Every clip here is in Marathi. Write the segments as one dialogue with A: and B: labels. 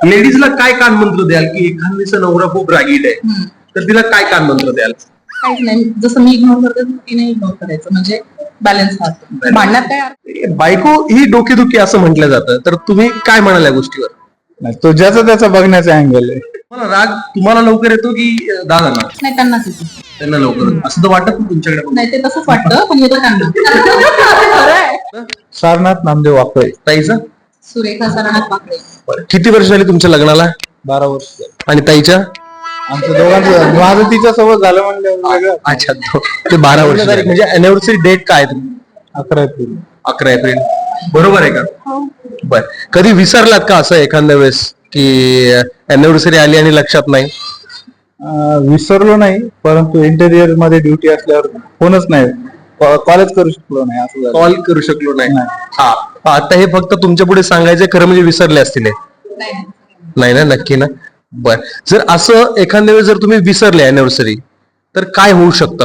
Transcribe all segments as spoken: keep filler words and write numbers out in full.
A: लेडीजला काय कानमंत्र द्याल की एखादीचा नवरा खूप रागीट आहे तर तिला काय कानमंत्र द्याल?
B: काहीच नाही, जसं मी इग्नोर करते तिने इग्नोर करायचं, म्हणजे बॅलन्स राहतो. भांडण्यात काय अर्थ?
A: बायको ही डोकेदुखी असं म्हटलं जातं, तर तुम्ही काय म्हणाल या गोष्टीवर?
C: नाही, तो ज्याचा त्याचा बघण्याचा अँगल आहे.
A: मला राग तुम्हाला लवकर येतो की दादांना?
B: नाही, त्यांनाच येतो.
A: त्यांना लवकर असं तर वाटत नाही तुमच्याकडे?
B: नाही, ते तसंच वाटतं, पण येतो त्यांना. खरं आहे.
C: सारनाथ नामदेव वाकळे.
A: ताईचा?
B: सुरेखा सरनाथ वाकडे.
A: बरं. किती वर्ष झाली तुमच्या लग्नाला?
C: बारा वर्ष झाली.
A: आणि ताईच्या?
C: आमच्या दोघांचं माझं तिच्या सोबत झालं म्हणजे वेगळं.
A: अच्छा, तो- ते बारा वर्ष तारीख म्हणजे अॅनिव्हर्सरी डेट काय आहे?
C: अकरा एप्रिल.
A: अकरा एप्रिल. बरोबर आहे का?
B: हो.
A: बर. कधी विसरलात का असं एखाद्या वेळेस की अॅनिव्हर्सरी आली आणि लक्षात नाही?
C: अं, विसरलो नाही, परंतु इंटेरियर मध्ये ड्युटी असल्यावर फोनच नाही, कॉलेज करू शकलो नाही असं झालं.
A: कॉल करू शकलो नाही?
C: नाही.
A: हा. आता हे फक्त तुमच्या पुढे सांगायचं खरं म्हणजे विसरले असतील हे?
B: नाही.
A: नाही ना? नक्की ना? बर. जर असं एखाद्या वेळेस जर तुम्ही विसरले अॅनिव्हर्सरी तर काय होऊ शकतं?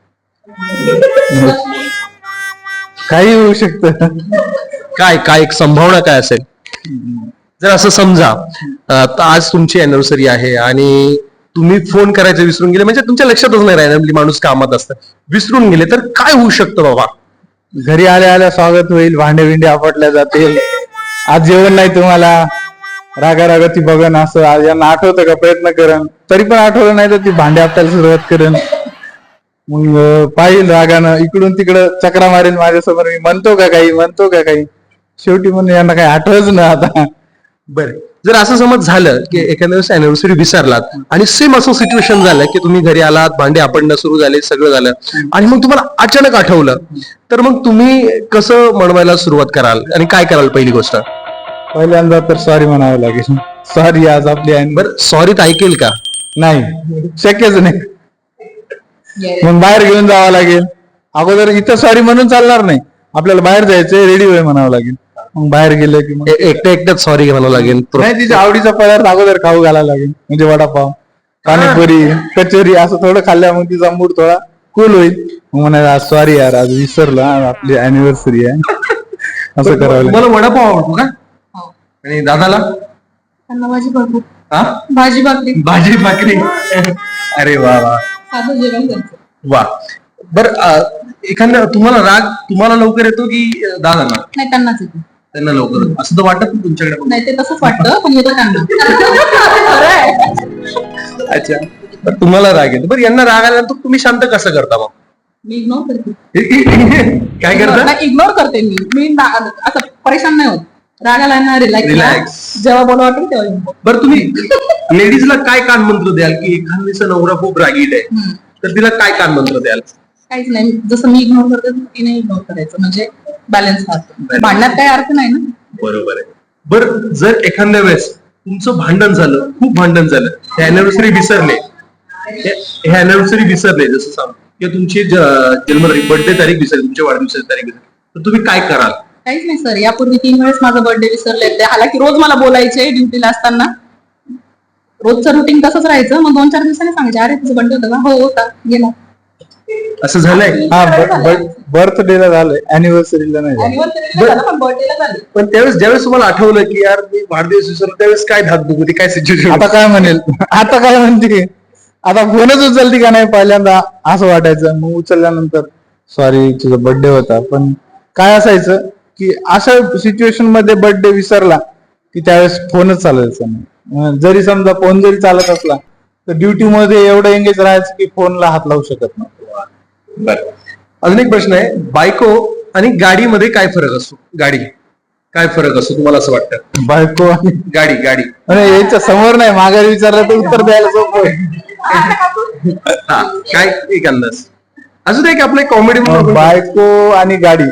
C: काही होऊ शकतं.
A: काय काय एक संभावना काय असेल? जर असं समजा अं, तर आज तुमची अॅनिव्हर्सरी आहे आणि तुम्ही फोन करायचं विसरून गेले, म्हणजे तुमच्या लक्षातच नाही रॅन्डमली माणूस कामात असतं, विसरून गेले तर काय होऊ शकतं बाबा?
C: घरी आल्या आल्या स्वागत होईल, भांडे बिंडे आपटल्या जातील, आज जेवण नाही तुम्हाला, रागा रागा ती बघन, असं आज यांना आठवतं का प्रयत्न करण, तरी पण आठवलं नाही तर ती भांडे आपटायला सुरुवात करेन. मग अं, पाहिल रागानं इकडून तिकडं चक्रा मारेल माझ्यासमोर, मी म्हणतो का काही म्हणतो का काही, शेवटी म्हणून यांना काही आठवच ना आता.
A: बरं. जर असं समज झालं की एखाद्या वेळेस अॅनिव्हर्सरी विसरलात आणि सेम असं सिच्युएशन झालं की तुम्ही घरी आलात, भांडे आपणणं सुरू झाले, सगळं झालं आणि मग तुम्हाला अचानक आठवलं, तर मग तुम्ही कसं म्हणवायला सुरुवात कराल आणि काय कराल पहिली गोष्ट?
C: पहिल्यांदा तर सॉरी म्हणावं लागेल, सॉरी आज आपली आहे.
A: बरं, सॉरीत ऐकेल का?
C: नाही, शक्यच नाही.
B: Yes.
C: मग बाहेर घेऊन जावं लागेल. अगोदर इथं सॉरी म्हणून चालणार नाही, आपल्याला बाहेर जायचंय, रेडी होय म्हणावं लागेल. मग बाहेर गेलं की मग
A: ए- एकट्या एकट्याच सॉरी म्हणावं लागेल?
C: नाही, तिच्या आवडीचा पदार्थ अगोदर खाऊ घालायला लागेल, म्हणजे वडापाव, पाणीपुरी, कचोरी असं थोडं खाल्ल्या मग तिचा मूड थोडा कूल होईल. मग म्हणायला आज सॉरी यार, आज विसरलो, आज आपली अॅनिव्हर्सरी आहे, असं करावं लागेल.
A: तुम्हाला वडापाव आवडतो का?
B: हो.
A: आणि दादाला?
B: त्यांना भाजी भाकरी.
A: हा?
B: भाजी भाकरी.
A: भाजी भाकरी. अरे वा वा
B: साधं जेवण त्यांचं.
A: वा. बर. एखाद्या तुम्हाला राग तुम्हाला लवकर येतो की दादांना?
B: नाही, त्यांनाच येतो.
A: त्यांना लवकर येतो. असं तर वाटत नाही तुमच्याकडे?
B: नाही, ते तसंच वाटतं, पण येतो त्यांना. खरं आहे.
A: अच्छा. तर तुम्हाला राग येतो. बरं, यांना राग आल्यानंतर तुम्ही शांत कसं करता मग?
B: मी इग्नोर करते.
A: काय करता?
B: इग्नोर करते मी मी ना- असं परेशान नाही होत. रागाला ना रिलॅक्स
A: Relax.
B: जेव्हा बोलू वाटेल तेव्हा येऊन बोल.
A: बरं, तुम्ही लेडीजला काय कानमंत्र द्याल की एखादीचा नवरा खूप रागीट आहे
B: हम्म.
A: तर तिला काय कानमंत्र द्याल?
B: काहीच नाही, जसं मी इग्नोर करते तिने इग्नोर करायचं, म्हणजे बॅलन्स राहतो. भांडण्यात काही अर्थ नाही ना.
A: बरोबर आहे. बरं, जर एखाद्या वेळेस तुमचं भांडण झालं, खूप भांडण झालं, हे अॅनिव्हर्सरी विसरले, हे अॅनिव्हर्सरी विसरले, जसं सांग किंवा तुमची ज- जन्मतारीख, बर्थडे तारीख विसरली, तुमच्या वाढदिवसाची तारीख विसरली, तर तुम्ही काय कराल?
B: काहीच नाही सर, यापूर्वी तीन वेळेस माझा बर्थडे विसरले. ते हालाकी रोज मला बोलायचे ड्युटीला असताना, रोजचं रुटीन तसंच राहायचं. मग दोन चार दिवसांनी सांगायचे, अरे तुझं बर्थडे होता का? हो होता, गेला.
A: असं झालंय?
C: हा, बर्थडेला झालंय, अॅनिव्हर्सरीला नाही झालं.
B: Anniversary ला झालं, पण बर्थडेला झालं.
A: पण त्यावेळेस ज्यावेळेस तुम्हाला आठवलं की यार मी वाढदिवस विसरलो, त्यावेळेस काय धाकधूक होती, काय सिच्युएशन?
C: आता काय म्हणेल, आता काय म्हणते, आता फोनच उचलती का नाही, पहिल्यांदा असं वाटायचं. मग उचलल्यानंतर सॉरी तुझा बर्थडे होता, पण काय असायचं की अशा सिच्युएशन मध्ये बर्थडे विसरला की त्यावेळेस फोनच चालायचा नाही. अं, जरी समजा फोन जरी चालत असला तर ड्युटी मध्ये एवढं एंगेज राहायचं की फोनला हात लावू शकत नाही.
A: बरं. अजून एक प्रश्न आहे, बायको आणि गाडीमध्ये काय फरक असतो? गाडी काय फरक असतो तुम्हाला असं वाटतं?
C: बायको आणि
A: गाडी गाडी
C: आणि याच्या समोर नाही, माघारी विचारलं तर उत्तर द्यायला सोपं आहे.
A: हा, काय एक अंदाज? अजून एक आपलं कॉमेडी
C: बायको आणि गाडी,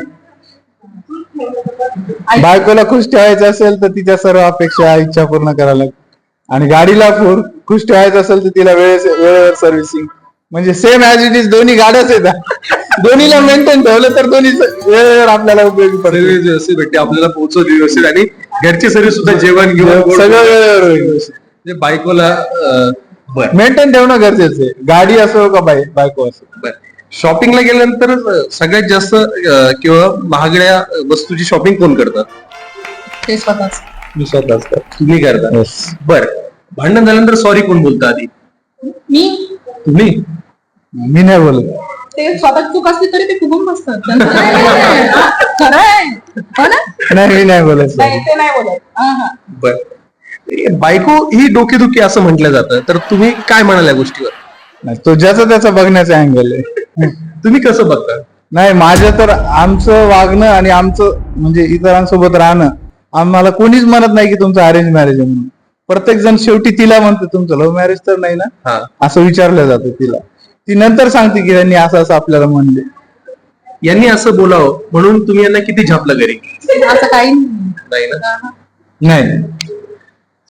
C: बायकोला खुश ठेवायचं असेल तर तिच्या सर्व अपेक्षा इच्छा पूर्ण करायला लागतात, आणि गाडीला फुर खुश ठेवायचं असेल तर तिला वेळेस वेळेवर सर्व्हिसिंग, म्हणजे सेम ऍज इट इज दोन्ही गाड्याच येतात. दोन्हीला मेंटेन ठेवलं तर दोन्ही वेळेवर आपल्याला उपयोगी पडते.
A: व्यवस्थित भेटते, आपल्याला पोहोचवली व्यवस्थित, आणि घरची सर्व सुद्धा जेवण घेऊन
C: सगळं वेळेवर होईल.
A: म्हणजे बायकोला अं, बरं
C: मेंटेन ठेवणं गरजेचं आहे, गाडी असो का बाई बायको असो.
A: बरं. शॉपिंगला गेल्यानंतर अं, सगळ्यात जास्त अं, किंवा महागड्या वस्तूची शॉपिंग कोण करतात?
B: ते स्वतःच.
C: मी स्वतःच करतो.
A: तुम्ही करता.
C: Yes.
A: बर, भांडण झाल्यानंतर सॉरी कोण बोलतं आधी?
B: मी
A: तुम्ही?
C: मी नाही बोलत.
B: ते स्वतः चूक असली तरी ते फुगून बसतात त्यांचं काय नाही. हा, खरं आहे हो ना?
C: नाही मी नाही बोलत
B: नाही ते नाही बोलत. हा हा
A: बर, बायको ही डोकेदुखी असं म्हटलं जातं, तर तुम्ही काय म्हणाल या गोष्टीवर?
C: नाही, तो ज्याचा त्याचा बघण्याचा अँगल आहे.
A: तुम्ही कसं बघता?
C: नाही माझं तर आमचं वागणं आणि आमचं म्हणजे इतरांसोबत राहणं आम्हाला कोणीच म्हणत नाही की तुमचं अरेंज मॅरेज आहे म्हणून. प्रत्येक जण शेवटी तिला म्हणते तुमचं लव्ह मॅरेज तर नाही ना,
A: हा,
C: असं विचारलं जातं तिला. ती नंतर सांगते की त्यांनी असं असं आपल्याला म्हणले.
A: यांनी असं बोलावं म्हणून तुम्ही यांना किती झापलं घरी?
B: असं काही नाही.
A: नाही ना?
B: हा, हा.
C: नाही